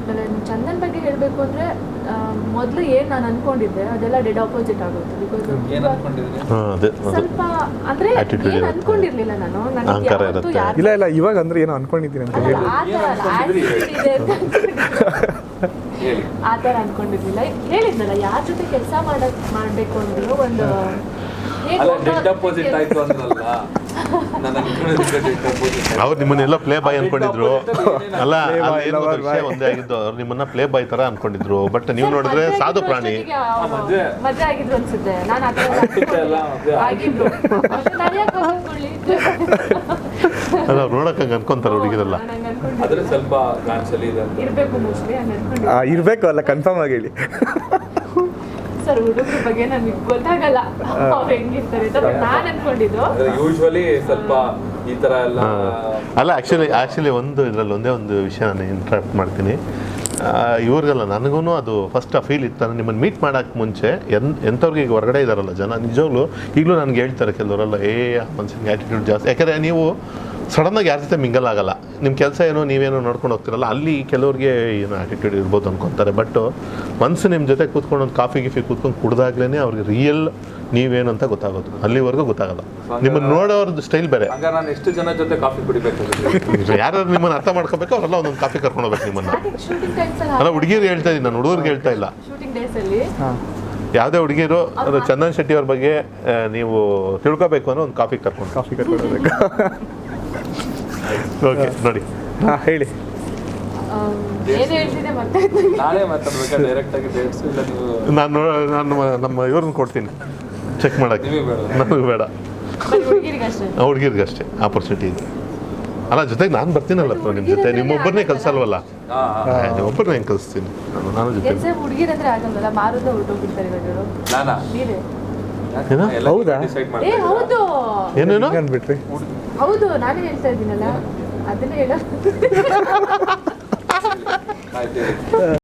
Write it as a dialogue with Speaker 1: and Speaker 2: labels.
Speaker 1: ಆಮೇಲೆ ಚಂದನ್ ಬಗ್ಗೆ ಹೇಳಬೇಕು ಅಂದರೆ ಮೊದಲು ಏನು ನಾನು ಅನ್ಕೊಂಡಿದ್ದೆ ಅದೆಲ್ಲ ಡೆಡ್ ಆಪೋಸಿಟ್ ಆಗುತ್ತೆ. ಬಿಕಾಸ್ ಸ್ವಲ್ಪ ಅಂದರೆ ಏನು ಅನ್ಕೊಂಡಿರ್ಲಿಲ್ಲ ನಾನು.
Speaker 2: ಇಲ್ಲ ಇವಾಗ ಅಂದ್ರೆ ಏನು ಅನ್ಕೊಂಡಿದ್ದೀನಿ ಅಂತ ಹೇಳಿ
Speaker 1: ಆ ಥರ ಅನ್ಕೊಂಡಿರ್ಲಿಲ್ಲ. ಹೇಳಿದ್ನಲ್ಲ ಯಾರ ಜೊತೆ ಕೆಲಸ ಮಾಡಬೇಕು ಅಂದ್ರೂ ಒಂದು
Speaker 3: ಅವ್ರು ನಿಮ್ಮನ್ನೆಲ್ಲ ಪ್ಲೇ ಬಾಯ್ ಅನ್ಕೊಂಡಿದ್ರು. ಅಲ್ಲ ಒಂದೇ ಆಗಿದ್ದು, ಅವ್ರು ನಿಮ್ಮನ್ನ ಪ್ಲೇ ಬಾಯ್ ತರ ಅನ್ಕೊಂಡಿದ್ರು. ಬಟ್ ನೀವು ನೋಡಿದ್ರೆ ಸಾಧು ಪ್ರಾಣಿ.
Speaker 1: ಮದುವೆ ಆಗಿದ್ರು ಅನ್ಸುತ್ತೆ. ನಾನು
Speaker 3: ಅಲ್ಲ ನೋಡಕ್ ಅನ್ಕೊಂತಾರೆ ಹುಡುಗಿರಲ್ಲ.
Speaker 2: ಇರ್ಬೇಕು ಅಲ್ಲ ಕನ್ಫರ್ಮ್ ಆಗಿ ಹೇಳಿ.
Speaker 1: ಸರ್ ಹುಡುಗರ ಬಗ್ಗೆ ನನಗೆ ಗೊತ್ತಾಗಲ್ಲ ಅವ್ರು ಹೆಂಗಿರ್ತಾರೆ ಅಂತ. ನಾನು ಅನ್ಕೊಂಡಿದ್ದು
Speaker 4: ಯೂಶುವಲಿ ಸ್ವಲ್ಪ ಈ ತರ ಎಲ್ಲ
Speaker 3: ಅಲ್ಲ. ಆ್ಯಕ್ಚುಲಿ ಇದರಲ್ಲಿ ಒಂದೇ ಒಂದು ವಿಷಯ ನಾನು ಇಂಟ್ರಾಕ್ಟ್ ಮಾಡ್ತೀನಿ. ಇವ್ರಿಗೆಲ್ಲ ನನಗೂ ಅದು ಫಸ್ಟ್ ಆ ಫೀಲ್ ಇತ್ತು. ನಿಮ್ಮನ್ನು ಮೀಟ್ ಮಾಡೋಕ್ಕೆ ಮುಂಚೆ ಎಂಥವ್ರಿಗೆ ಈಗ ಹೊರಗಡೆ ಇದ್ದಾರಲ್ಲ ಜನ, ನಿಜವಾಗ್ಲೂ ಈಗಲೂ ನನಗೆ ಹೇಳ್ತಾರೆ ಕೆಲವರೆಲ್ಲ, ಆ ಮನುಷ್ಯನಿಗೆ ಆ್ಯಟಿಟ್ಯೂಡ್ ಜಾಸ್ತಿ. ಯಾಕಂದರೆ ನೀವು ಸಡನ್ನಾಗಿ ಯಾರ ಜೊತೆ ಮಿಂಗಲ್ ಆಗಲ್ಲ. ನಿಮ್ಮ ಕೆಲಸ ಏನೋ ನೀವೇನೋ ನೋಡ್ಕೊಂಡು ಹೋಗ್ತಿರಲ್ಲ, ಅಲ್ಲಿ ಕೆಲವ್ರಿಗೆ ಏನೋ ಆ್ಯಟಿಟ್ಯೂಡ್ ಇರ್ಬೋದು ಅನ್ಕೊತಾರೆ. ಬಟ್ ಮನ್ಸು ನಿಮ್ಮ ಜೊತೆ ಕೂತ್ಕೊಂಡು ಒಂದು ಕಾಫಿ ಕೂತ್ಕೊಂಡು ಕುಡ್ದಾಗ್ಲೇ ಅವ್ರಿಗೆ ರಿಯಲ್ ನೀವೇನು ಅಂತ ಗೊತ್ತಾಗೋದು. ಅಲ್ಲಿವರೆಗೂ ಗೊತ್ತಾಗಲ್ಲ. ನಿಮ್ಮನ್ನು ನೋಡೋರ್ದು ಸ್ಟೈಲ್ ಬೇರೆ.
Speaker 4: ನಾನು ಎಷ್ಟು ಜನ ಜೊತೆ ಕಾಫಿ ಕುಡಿಬೇಕು,
Speaker 3: ಯಾರು ನಿಮ್ಮನ್ನು ಅರ್ಥ ಮಾಡ್ಕೋಬೇಕು ಅವರೆಲ್ಲ ಒಂದೊಂದು ಕಾಫಿ ಕರ್ಕೊಂಡು ಹೋಗ್ಬೇಕು ನಿಮ್ಮನ್ನು. ಅಲ್ಲ ಹುಡುಗಿರು ಹೇಳ್ತಾ ಇದ್ದೀನಿ ನಾನು, ಹುಡುಗರಿಗೆ ಹೇಳ್ತಾ ಇಲ್ಲ. ಯಾವುದೇ ಹುಡುಗಿರು ಅದು ಚಂದನ್ ಶೆಟ್ಟಿ ಅವ್ರ ಬಗ್ಗೆ ನೀವು ತಿಳ್ಕೊಬೇಕು ಅಂದ್ರೆ ಒಂದು ಕಾಫಿ ಕರ್ಕೊಂಡು
Speaker 2: ಹೋಗ್ಬೇಕು.
Speaker 3: ಓಕೆ ನೋಡಿ
Speaker 2: ಹೇಳಿ.
Speaker 3: ನಾನು ನಮ್ಮ ಇವ್ರನ್ನ ಕೊಡ್ತೀನಿ ಚೆಕ್ ಮಾಡಕ್ಕೆ. ನನಗೆ ಬೇಡ, ಹುಡುಗಿರಿಗೆ ಅಷ್ಟೇ ಆಪರ್ಚುನಿಟಿ ಇದೆ. ಅಲ್ಲ ಜೊತೆಗೆ ನಾನು ಬರ್ತೀನಲ್ಲ ನಿಮ್ಮ ಜೊತೆ. ನಿಮ್ಮೊಬ್ಬರನ್ನೇ ಕಲ್ಸಲ್ವಲ್ಲ, ನಿಮ್ಮೊಬ್ಬರನ್ನ ಹೆಂಗೆ ಕಲಿಸ್ತೀನಿ ನಾನು ಜೊತೆ. ಏನೇನು
Speaker 2: ಅಂದ್ಬಿಟ್ರಿ?
Speaker 1: ಹೌದು ನಾನೇ ಹೇಳ್ತಾ ಇದ್ದೀನಲ್ಲ ಅದನ್ನೇ ಹೇಳ.